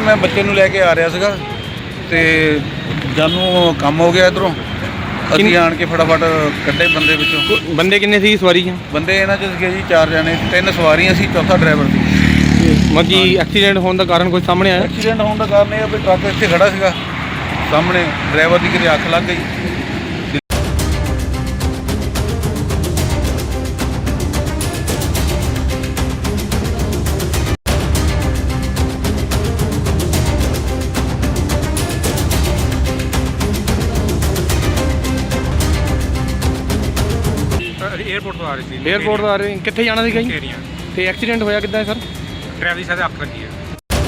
मैं बच्चे नूं लैके आ रहा सीगा ते जानू काम हो गया इधरों ਅਸੀਂ ਆਣ ਕੇ फटाफट ਕੱਢੇ ਬੰਦੇ ਵਿੱਚੋਂ। ਬੰਦੇ ਕਿੰਨੇ ਸੀ ਸਵਾਰੀਆਂ? ਬੰਦੇ ਇਹਨਾਂ 'ਚ ਸੀਗੇ ਜੀ 4 ਜਣੇ, 3 ਸਵਾਰੀਆਂ ਸੀ, ਚੌਥਾ ਡਰਾਈਵਰ ਸੀ। ਮੱਜੀ ਐਕਸੀਡੈਂਟ ਹੋਣ ਦਾ ਕਾਰਨ ਕੋਈ ਸਾਹਮਣੇ ਆਇਆ? ਐਕਸੀਡੈਂਟ ਹੋਣ ਦਾ ਕਾਰਨ ਇਹ ਆ ਵੀ ਟਰੱਕ ਇੱਥੇ ਖੜਾ ਸੀਗਾ ਸਾਹਮਣੇ, ਡਰਾਈਵਰ ਦੀ ਕਿਤੇ ਅੱਖ ਲੱਗ ਗਈ। एयरपोर्ट तो आ रही थी। 에어ਪੋਰਟ ਤੋਂ ਆ ਰਹੇ ਕਿੱਥੇ ਜਾਣਾ ਸੀਗਾ ਜੀ? एरिया ਤੇ ਐਕਸੀਡੈਂਟ ਹੋਇਆ ਕਿੱਦਾਂ ਹੈ ਸਰ? ड्राइवर की साथ आग लगी है।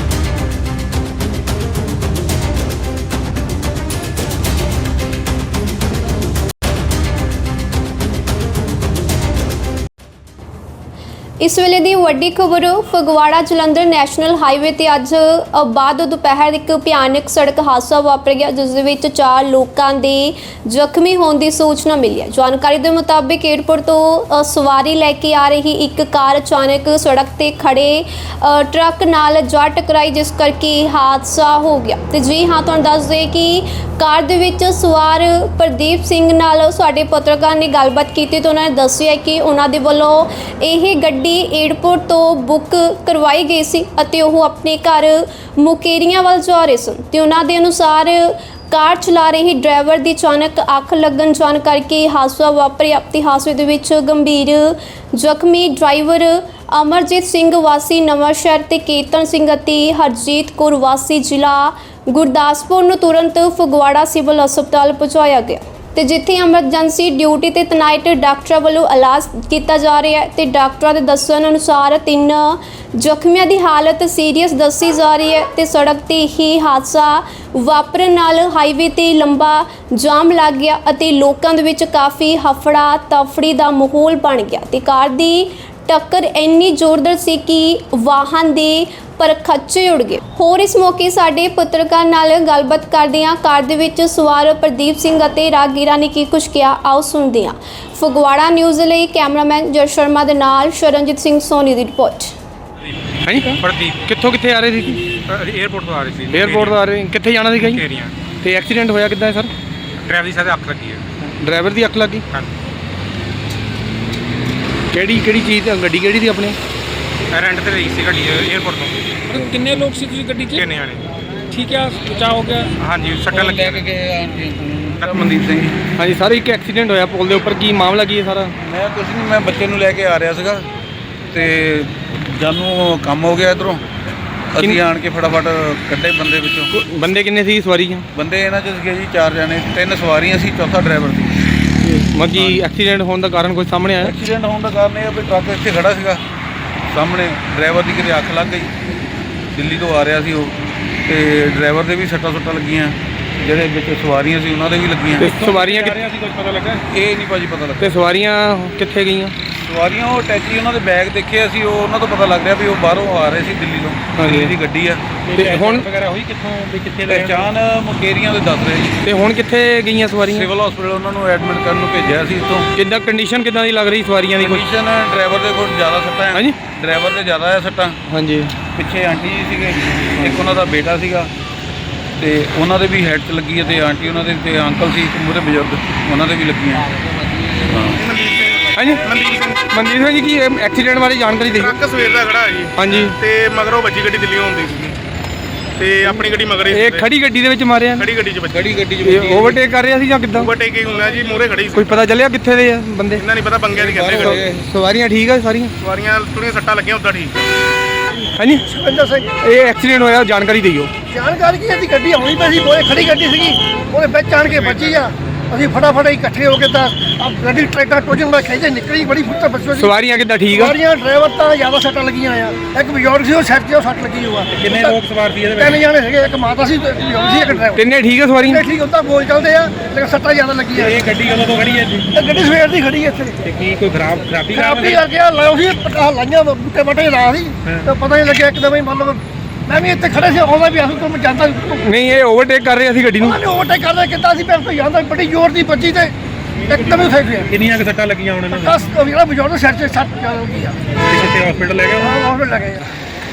इस वेले दी वड्डी खबर फगवाड़ा जलंधर नैशनल हाईवे ते अज बाद दोपहर एक भयानक सड़क हादसा वापर गया जिस दे विच 4 लोगों के जख्मी होने की सूचना मिली है। जानकारी के मुताबिक एयरपोर्ट तो सवारी लैके आ रही एक कार अचानक सड़क ते खड़े ट्रक नाल जा टकराई जिस करके हादसा हो गया। तो जी हाँ, तुहानूं दस दे कि कार दे विच सवार प्रदीप सिंह नाल साडे पत्रकार ने गलबात की तो उन्होंने दस्सिया कि उन्हां दे वल्लों यह गड्डी एयरपोर्ट तो बुक करवाई गई सी अते ओह अपने घर मुकेरियां वाल जा रहे सन ते उन्हां दे अनुसार कार चला रही ड्राइवर की अचानक अख लगन जान करके हादसा वापरिया। ते हादसे दे विच गंभीर जख्मी ड्राइवर अमरजीत सिंह वासी नवांशहर ते केतन सिंह अते हरजीत कौर वासी जिला गुरदासपुर नूं तुरंत फगवाड़ा सिविल हस्पताल पहुंचाया गया ਤੇ ਜਿੱਥੇ ਐਮਰਜੈਂਸੀ ਡਿਊਟੀ ਤੇ ਤਨਾਇਟ ਡਾਕਟਰਾਂ ਵੱਲੋਂ ਇਲਾਜ ਕੀਤਾ ਜਾ ਰਿਹਾ ਹੈ ਤੇ ਡਾਕਟਰਾਂ ਦੇ ਦੱਸਣ ਅਨੁਸਾਰ 3 ਜ਼ਖਮੀਆਂ ਦੀ ਹਾਲਤ ਸੀਰੀਅਸ ਦੱਸੀ ਜਾ ਰਹੀ ਹੈ ਤੇ ਸੜਕ ਤੇ ਹੀ ਹਾਦਸਾ ਵਾਪਰਨ ਨਾਲ ਹਾਈਵੇ ਤੇ ਲੰਬਾ ਜਾਮ ਲੱਗ ਗਿਆ ਅਤੇ ਲੋਕਾਂ ਦੇ ਵਿੱਚ ਕਾਫੀ ਹਫੜਾ ਤਫੜੀ ਦਾ ਮਾਹੌਲ ਬਣ ਗਿਆ ਤੇ ਕਾਰ ਦੀ ਟੱਕਰ ਇੰਨੀ ਜ਼ੋਰਦਾਰ ਸੀ ਕਿ ਵਾਹਨ ਦੇ पर खच्चे उड़ गए। होर इस मौके साडे पत्रकार नाल गलबात करदियां कार दे विच सवार प्रदीप सिंह अते राहगीरां ने की कुछ कहा, आओ सुनदे हां। फगवाड़ा न्यूज़ लई कैमरामैन जय शर्मा दे नाल शरणजीत सिंह सोनी दी रिपोर्ट। हाँ जी, प्रदीप कित्थों कित्थे आ रहे थे? एयरपोर्ट तो आ रही थी। 에어ਪੋਰਟ ਤੋਂ ਆ ਰਹੇ ਕਿੱਥੇ ਜਾਣਾ ਸੀਗਾ ਜੀ? एरिया ਤੇ ਐਕਸੀਡੈਂਟ ਹੋਇਆ ਕਿੱਦਾਂ ਹੈ ਸਰ? ड्राइवर की साथ आग लगी है। ਡਰਾਈਵਰ ਦੀ ਅੱਖ ਲੱਗੀ? हाँ, ਕਿਹੜੀ ਚੀਜ਼ ਗੱਡੀ ਕਿਹੜੀ ਸੀ ਆਪਣੀ? रेंट ते रही सी गड्डी एयरपोर्ट तो। किन्ने लोग सी तुसी गड्डी च? किन्ने आने? ठीक है, बचाव हो गया। हाँ जी, सट्टा लगी ਮਨਦੀਪ ਸਿੰਘ ਜੀ। ਹਾਂਜੀ ਸਰ, ਇੱਕ ਐਕਸੀਡੈਂਟ ਹੋਇਆ ਪੁਲ ਦੇ ਉੱਪਰ, ਕੀ ਮਾਮਲਾ ਕੀ ਹੈ ਸਾਰਾ? ਮੈਂ ਕੁਛ ਨਹੀਂ, ਮੈਂ ਬੱਚੇ ਨੂੰ ਲੈ ਕੇ ਆ ਰਿਹਾ ਸੀਗਾ ਤੇ ਜਾਨੂ ਕੰਮ ਹੋ ਗਿਆ ਇਧਰੋਂ ਅਸੀਂ ਆਣ ਕੇ ਫਟਾਫਟ ਕੱਢੇ ਬੰਦੇ ਵਿੱਚੋਂ। ਬੰਦੇ ਕਿੰਨੇ ਸੀ ਸਵਾਰੀਆਂ? ਬੰਦੇ ਇਹਨਾਂ 'ਚ ਸੀਗੇ ਜੀ 4 ਜਣੇ, 3 ਸਵਾਰੀਆਂ ਸੀ, ਚੌਥਾ ਡਰਾਈਵਰ ਸੀ। ਮੱਜੀ ਐਕਸੀਡੈਂਟ ਹੋਣ ਦਾ ਕਾਰਨ ਕੋਈ ਸਾਹਮਣੇ ਆਇਆ? ਐਕਸੀਡੈਂਟ ਹੋਣ ਦਾ ਕਾਰਨ ਇਹ ਆ ਵੀ ਟਰੱਕ ਇੱਥੇ ਖੜਾ ਸੀਗਾ ਸਾਹਮਣੇ, ਡਰਾਈਵਰ ਦੀ ਕਿਤੇ ਅੱਖ ਲੱਗ ਗਈ। ਦਿੱਲੀ ਤੋਂ ਆ ਰਿਹਾ ਸੀ ਉਹ ਤੇ ਡਰਾਈਵਰ ਦੇ ਵੀ ਸੱਟਾਂ ਲੱਗੀਆਂ, ਜਿਹੜੇ ਵਿੱਚ ਸਵਾਰੀਆਂ ਸੀ ਉਹਨਾਂ ਦੇ ਵੀ ਲੱਗੀਆਂ। ਤੇ ਸਵਾਰੀਆਂ कुछ पता लगा? ਇਹ ਨਹੀਂ ਭਾਜੀ ਪਤਾ ਲੱਗਾ। ਤੇ ਸਵਾਰੀਆਂ ਕਿੱਥੇ ਗਈਆਂ? ਸਵਾਰੀਆਂ ਉਹ ਟੈਚੀ ਉਹਨਾਂ ਦੇ ਬੈਗ ਦੇਖੇ ਅਸੀਂ, ਉਹ ਉਹਨਾਂ ਤੋਂ ਪਤਾ ਲੱਗ ਰਿਹਾ ਵੀ ਉਹ ਬਾਹਰੋਂ ਆ ਰਹੇ ਸੀ ਦਿੱਲੀ ਤੋਂ। ਦਿੱਲੀ ਦੀ ਗੱਡੀ ਆ। ਤੇ ਹੁਣ वगैरह हुई कित्थों भी कित्थे ਪਹਿਚਾਣ ਮੁਕੇਰੀਆਂ ਦੇ ਦੱਸ ਰਹੇ ਜੀ। ਤੇ ਹੁਣ ਕਿੱਥੇ ਗਈਆਂ ਸਵਾਰੀਆਂ? ਸਿਵਲ ਹਸਪੀਟਲ ਉਹਨਾਂ ਨੂੰ ਐਡਮਿਟ ਕਰਨ ਨੂੰ ਭੇਜਿਆ ਸੀ ਇੱਥੋਂ। ਕਿੱਦਾਂ ਕੰਡੀਸ਼ਨ ਕਿੱਦਾਂ ਦੀ ਲੱਗ ਰਹੀ ਸਵਾਰੀਆਂ ਦੀ? ਕੋਈ ਕੰਡੀਸ਼ਨ ਡਰਾਈਵਰ ਦੇ ਕੋਲ ਜ਼ਿਆਦਾ ਸੱਟਾਂ ਹੈ। ਹਾਂਜੀ, ਡਰਾਈਵਰ ਦੇ ਜ਼ਿਆਦਾ ਆ ਸੱਟਾਂ। ਹਾਂਜੀ। ਪਿੱਛੇ ਆਂਟੀ ਜੀ ਸੀਗੇ, ਇੱਕ ਉਹਨਾਂ ਦਾ ਬੇਟਾ ਸੀਗਾ ਤੇ ਉਹਨਾਂ ਦੇ ਵੀ ਹੈਡ 'ਚ ਲੱਗੀ ਹੈ ਤੇ ਆਂਟੀ ਉਹਨਾਂ ਦੇ ਤੇ ਅੰਕਲ ਸੀ ਇੱਕ ਮੂਹਰੇ ਬਜ਼ੁਰਗ, ਉਹਨਾਂ ਦੇ ਵੀ ਲੱਗੀਆਂ। ਹਾਂਜੀ, ਮਨਦੀਪ ਸਿੰਘ ਜੀ, ਕੀ ਐਕਸੀਡੈਂਟ ਬਾਰੇ ਜਾਣਕਾਰੀ ਦਿਓ। ਟਰੱਕ ਸਵੇਰ ਦਾ ਖੜਾ ਹੈ ਜੀ ਹਾਂਜੀ, ਤੇ ਮਗਰੋਂ ਵੱਜੀ ਗੱਡੀ ਦਿੱਲੀੋਂ ਆਉਂਦੀ ਸੀ ਤੇ ਆਪਣੀ ਗੱਡੀ ਮਗਰ ਹੀ ਇਹ ਖੜੀ ਗੱਡੀ ਦੇ ਵਿੱਚ ਮਾਰਿਆ? ਖੜੀ ਗੱਡੀ 'ਚ ਵੱਜੀ। ਗੱਡੀ 'ਚ ਓਵਰਟੇਕ ਕਰ ਰਿਹਾ ਸੀ ਜਾਂ ਕਿੱਦਾਂ? ਓਵਰਟੇਕਿੰਗ ਹੁੰਦਾ ਜੀ, ਮੂਹਰੇ ਖੜੀ ਸੀ। ਕੋਈ ਪਤਾ ਚੱਲਿਆ ਕਿੱਥੇ ਦੇ ਆ ਬੰਦੇ? ਇਹਨਾਂ ਨਹੀਂ ਪਤਾ, ਬੰਗਿਆਂ ਦੀ ਕਹਿੰਦੇ ਗੱਡੀ। ਸਵਾਰੀਆਂ ਠੀਕ ਆ ਸਾਰੀਆਂ? ਸਵਾਰੀਆਂ ਥੋੜ੍ਹੀਆਂ ਸੱਟਾਂ ਲੱਗੀਆਂ, ਉੱਦਾਂ ਠੀਕ। ਹਾਂਜੀ, ਸੁਖਵਿੰਦਰ ਸਿੰਘ। ਇਹ ਐਕਸੀਡੈਂਟ ਹੋਇਆ, ਜਾਣਕਾਰੀ ਦਿਓ। ਜਾਣਕਾਰੀ ਕੀ ਇਹਦੀ ਗੱਡੀ ਆਉਣੀ ਪਈ ਸੀ, ਬਹੁਤ ਖੜੀ ਗੱਡੀ ਸੀਗੀ, ਉਹਦੇ ਵਿੱਚ ਆਣ ਕੇ ਵੱਜੀ ਆ। ਅਸੀਂ ਫਟਾਫਟ ਇਕੱਠੇ ਹੋ ਕੇ ਤਾਂ ਗੱਡੀ ਟਰੈਕਟਰ ਟੋਜਨ ਦਾ ਖਿੱਚੇ ਨਿਕਲੀ, ਬੜੀ ਫੁੱਟ ਬੱਚੋ। ਸਵਾਰੀਆਂ ਕਿੱਦਾਂ ਠੀਕ ਆ? ਸਵਾਰੀਆਂ ਡਰਾਈਵਰ ਤਾਂ ਜ਼ਿਆਦਾ ਸੱਟਾਂ ਲੱਗੀਆਂ ਆ। ਇੱਕ ਬਜ਼ੁਰਗ ਸੀ, ਉਹ ਸਿਰ 'ਤੇ ਸੱਟ ਲੱਗੀ ਹੋਆ। किन्ने लोग सवार थी? 3 ਜਾਣੇ ਸੀਗੇ, ਇੱਕ ਮਾਤਾ ਸੀ, ਇੱਕ ਬਜ਼ੁਰਗ ਸੀ, ਇੱਕ ਡਰਾਈਵਰ। ਤਿੰਨੇ ਠੀਕ ਆ ਸਵਾਰੀਆਂ? ਠੀਕ ਉੱਦਾਂ ਬੋਲ ਚੱਲਦੇ ਆ, ਲੇਕਿਨ ਸੱਟਾਂ ਜ਼ਿਆਦਾ ਲੱਗੀਆਂ। ये गड्डी कदों तो खड़ी है जी? ਇਹ ਗੱਡੀ ਸਵੇਰ ਦੀ ਖੜੀ ਇੱਥੇ। ते की कोई खराबी ਖਰਾਬੀ ਆ ਗਿਆ, ਲਾਇਆ ਸੀ ਪਟਾ ਲਾਈਆਂ ਬੁੱਟੇ ਬਟੇ ਲਾ ਸੀ ਤਾਂ ਪਤਾ ਨਹੀਂ ਲੱਗਿਆ ਇੱਕਦਮ ਹੀ। ਮਤਲਬ ਮੈਂ ਵੀ ਇੱਥੇ ਖੜੇ ਸੀ, ਆਉਂਦਾ ਵੀ ਆਸੂ ਤੋਂ ਮੈਂ ਜਾਂਦਾ ਨਹੀਂ, ਇਹ ਓਵਰਟੇਕ ਕਰ ਰਿਹਾ ਸੀ ਗੱਡੀ ਨੂੰ? ਉਹਨੇ ਓਵਰਟੇਕ ਕਰਦੇ ਕਿੱਦਾਂ ਸੀ, ਮੈਂ ਜਾਂਦਾ ਬੜੀ ਜ਼ੋਰ ਦੀ ਵੱਜੀ ਤੇ ਇੱਕਦਮ ਹੀ ਫੇਕ ਗਿਆ। किन्नियां क सट्टां लगियां उन्हां नूं? ਬਸ ਜਿਹੜਾ ਬਜ਼ੁਰਗ ਸਿਰ 'ਚ ਸੱਟ ਚੱਲ ਗਈ ਆ। कित्थे हॉस्पिटल ले गए? ਹਾਂ ਹਸਪੀਟਲ ਲੱਗੇ ਆ।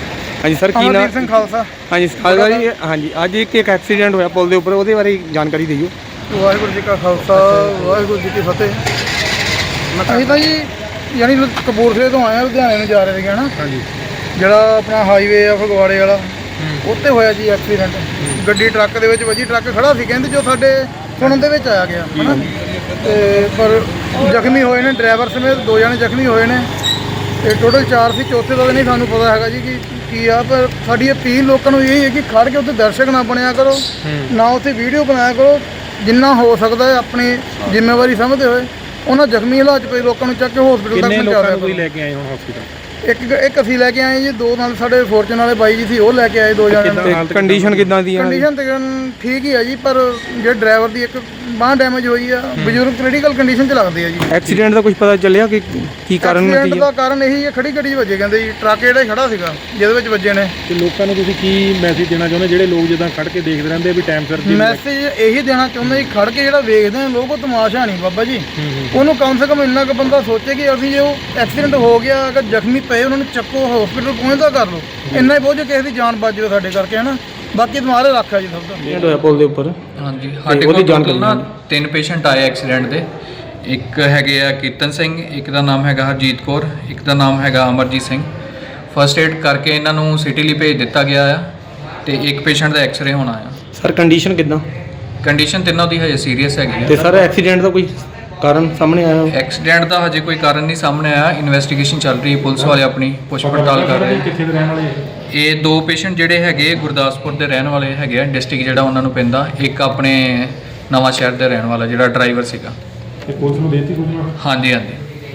ਹਾਂਜੀ ਸਰ ਕੀ ਨਾਮ ਅਮਰਜੀਤ ਸਿੰਘ ਖਾਲਸਾ। ਹਾਂਜੀ ਖਾਲਸਾ ਜੀ ਹਾਂਜੀ ਅੱਜ ਇੱਕ ਐਕਸੀਡੈਂਟ ਹੋਇਆ ਪੁਲ ਦੇ ਉੱਪਰ ਉਹਦੇ ਬਾਰੇ ਜਾਣਕਾਰੀ ਦਿਓ। ਵਾਹਿਗੁਰੂ ਜੀ ਕਾ ਖਾਲਸਾ ਵਾਹਿਗੁਰੂ ਜੀ ਕੀ ਫਤਿਹ। ਅਸੀਂ ਤਾਂ ਜੀ ਯਾਨੀ ਕਪੂਰਥਲੇ ਤੋਂ ਆਏ ਆ, ਲੁਧਿਆਣੇ ਨੂੰ ਜਾ ਰਹੇ ਸੀਗੇ ਨਾ। ਹਾਂਜੀ। ਜਿਹੜਾ ਆਪਣਾ ਹਾਈਵੇ ਆ ਫਗਵਾੜੇ ਵਾਲਾ, ਉੱਥੇ ਹੋਇਆ ਜੀ ਐਕਸੀਡੈਂਟ। ਗੱਡੀ ਟਰੱਕ ਦੇ ਵਿੱਚ ਵੱਜੀ, ਟਰੱਕ ਖੜਾ ਸੀ ਕਹਿੰਦੇ, ਜੋ ਸਾਡੇ ਸੁਣਨ ਦੇ ਵਿੱਚ ਆਇਆ ਗਿਆ ਹੈ ਨਾ। ਤੇ ਪਰ ਜ਼ਖਮੀ ਹੋਏ ਨੇ ਡਰਾਈਵਰ ਸਮੇਤ 2 ਜਣੇ ਜ਼ਖਮੀ ਹੋਏ ਨੇ ਤੇ ਟੋਟਲ 4 ਸੀ। ਚੌਥੇ ਦਾ ਤਾਂ ਨਹੀਂ ਸਾਨੂੰ ਪਤਾ ਹੈਗਾ ਜੀ ਕਿ ਕੀ ਆ, ਪਰ ਸਾਡੀ ਅਪੀਲ ਲੋਕਾਂ ਨੂੰ ਇਹ ਹੈ ਕਿ ਖੜ ਕੇ ਉੱਥੇ ਦਰਸ਼ਕ ਨਾ ਬਣਿਆ ਕਰੋ, ਨਾ ਉੱਥੇ ਵੀਡੀਓ ਬਣਾਇਆ ਕਰੋ। ਜਿੰਨਾ ਹੋ ਸਕਦਾ ਹੈ ਆਪਣੀ ਜ਼ਿੰਮੇਵਾਰੀ ਸਮਝਦੇ ਹੋਏ ਉਹਨਾਂ ਜ਼ਖਮੀ ਹਾਲਾਤ 'ਚ ਪਏ ਲੋਕਾਂ ਨੂੰ ਚੱਕ ਕੇ ਹਸਪੀਟਲ ਤੱਕ ਕਿੰਨੇ ਪਹੁੰਚਾ ਲੋਕਾਂ ਨੂੰ ਦਿਆ ਤੁਸੀਂ ਲੈ ਕੇ ਆਏ ਹੁਣ ਹਸਪੀਟਲ? ਇੱਕ ਅਸੀਂ ਲੈ ਕੇ ਆਏ ਜੀ, 2 ਨਾਲ ਸਾਡੇ ਫੋਰਚੂਨ ਵਾਲੇ ਬਾਈ ਜੀ ਸੀ, ਉਹ ਲੈ ਕੇ ਆਏ 2 ਜਣੇ। ਕਿੱਦਾਂ ਹਾਲਤ ਕੰਡੀਸ਼ਨ ਕਿੱਦਾਂ ਦੀ ਹੈ? ਕੰਡੀਸ਼ਨ ਤਕਰੀਬਨ ਠੀਕ ਹੀ ਆ ਜੀ, ਪਰ ਜਿਹੜੇ ਡਰਾਈਵਰ ਦੀ ਇੱਕ ਬਾਂਹ ਡੈਮੇਜ ਹੋਈ ਆ, ਬਜ਼ੁਰਗ ਕ੍ਰਿਟੀਕਲ ਕੰਡੀਸ਼ਨ 'ਚ ਲੱਗਦੇ ਆ ਜੀ। ਐਕਸੀਡੈਂਟ ਦਾ ਕੁਝ ਪਤਾ ਚੱਲਿਆ ਕਿ ਕੀ ਕਾਰਨ ਐਕਸੀਡੈਂਟ ਕੀ ਦਾ ਹੈ? ਕਾਰਨ ਇਹੀ ਹੈ, ਖੜੀ ਗੱਡੀ 'ਚ ਵੱਜੇ ਕਹਿੰਦੇ ਜੀ, ਟਰੱਕ ਜਿਹੜਾ ਖੜਾ ਸੀਗਾ ਜਿਹਦੇ ਵਿੱਚ ਵੱਜੇ ਨੇ। ਤੇ ਲੋਕਾਂ ਨੂੰ ਤੁਸੀਂ ਕੀ ਮੈਸੇਜ ਦੇਣਾ ਚਾਹੁੰਦੇ, ਜਿਹੜੇ ਲੋਕ ਜਿੱਦਾਂ ਖੜ ਕੇ ਦੇਖਦੇ ਰਹਿੰਦੇ ਵੀ ਟਾਈਮ ਸਿਰ ਦੀ ਮੈਸੇਜ ਇਹੀ ਦੇਣਾ ਚਾਹੁੰਦੇ ਜੀ, ਖੜ ਕੇ ਜਿਹੜਾ ਵੇਖਦੇ ਨੇ ਲੋਕ, ਉਹ ਤਮਾਸ਼ਾ ਨਹੀਂ ਬਾਬਾ ਜੀ। ਉਹਨੂੰ ਕਮ ਸੇ ਕਮ ਇੰਨਾ ਕੁ ਬੰਦਾ ਸੋਚੇ ਕਿ ਅਸੀਂ ਜੇ ਉਹ ਐਕਸੀਡੈਂਟ ਹੋ ਗਿਆ, ਅਗਰ ਜ਼ਖਮੀ ਪਏ ਉਹਨਾਂ ਨੂੰ ਚੱਕੋ, ਹਸਪੀਟਲ ਪਹੁੰਚਦਾ ਕਰ ਲਓ। ਇੰਨਾ ਹੀ ਬਹੁਤ, ਜੇ ਕਿਸੇ ਦੀ ਜਾਨ ਬਚ ਜਾਵੇ ਸਾਡੇ ਕਰਕੇ, ਹੈ ਨਾ। ਬਾਕੀ ਤੁਹਾਰੇ ਰੱਖਿਆ ਜੀ ਸਭ ਦਾ। ਐਕਸੀਡੈਂਟ ਹੋਇਆ ਪੁਲ ਦੇ ਉੱਪਰ। ਹਾਂਜੀ, ਸਾਡੇ ਕੋਲ ਟੋਟਲ ਨਾ 3 ਪੇਸ਼ੈਂਟ ਆਏ ਐਕਸੀਡੈਂਟ ਦੇ। ਇੱਕ ਹੈਗੇ ਆ ਕੀਰਤਨ ਸਿੰਘ, ਇੱਕ ਦਾ ਨਾਮ ਹੈਗਾ ਹਰਜੀਤ ਕੌਰ, ਇੱਕ ਦਾ ਨਾਮ ਹੈਗਾ ਅਮਰਜੀਤ ਸਿੰਘ। ਫਸਟ ਏਡ ਕਰਕੇ ਇਹਨਾਂ ਨੂੰ ਸਿਟੀ ਲਈ ਭੇਜ ਦਿੱਤਾ ਗਿਆ ਆ ਤੇ ਇੱਕ ਪੇਸ਼ੈਂਟ ਦਾ ਐਕਸ-ਰੇ ਹੋਣਾ ਆ। ਸਰ ਕੰਡੀਸ਼ਨ ਕਿੱਦਾਂ? ਕੰਡੀਸ਼ਨ ਤਿੰਨੋਂ ਦੀ ਹਜੇ ਸੀਰੀਅਸ ਹੈਗੀ ਤੇ ਆ। ਸਰ ਐਕਸੀਡੈਂਟ ਦਾ ਕੋਈ ਕਾਰਨ ਸਾਹਮਣੇ ਆਇਆ? ਐਕਸੀਡੈਂਟ ਦਾ ਹਜੇ ਕੋਈ ਕਾਰਨ ਨਹੀਂ ਸਾਹਮਣੇ ਆਇਆ। ਇਨਵੈਸਟੀਗੇਸ਼ਨ ਚੱਲ ਰਹੀ ਹੈ, ਪੁਲਿਸ ਵਾਲੇ ਆਪਣੀ ਪੁੱਛ ਪੜਤਾਲ ਕਰ ਰਹੇ। ਕਿੱਥੇ ਦੇ ਰਹਿਣ ਵਾਲੇ? ਇਹ 2 ਪੇਸ਼ੈਂਟ ਜਿਹੜੇ ਹੈਗੇ ਗੁਰਦਾਸਪੁਰ ਦੇ ਰਹਿਣ ਵਾਲੇ ਹੈਗੇ ਆ, ਡਿਸਟ੍ਰਿਕਟ ਜਿਹੜਾ ਉਹਨਾਂ ਨੂੰ ਪੈਂਦਾ। ਇੱਕ ਆਪਣੇ ਨਵਾਂ ਸ਼ਹਿਰ ਦੇ ਰਹਿਣ ਵਾਲਾ ਜਿਹੜਾ ਡਰਾਈਵਰ ਸੀਗਾ। ਤੇ ਪੁਲਿਸ ਨੂੰ ਦੇਤੀ ਸੂਚਨਾ? ਹਾਂਜੀ ਹਾਂਜੀ।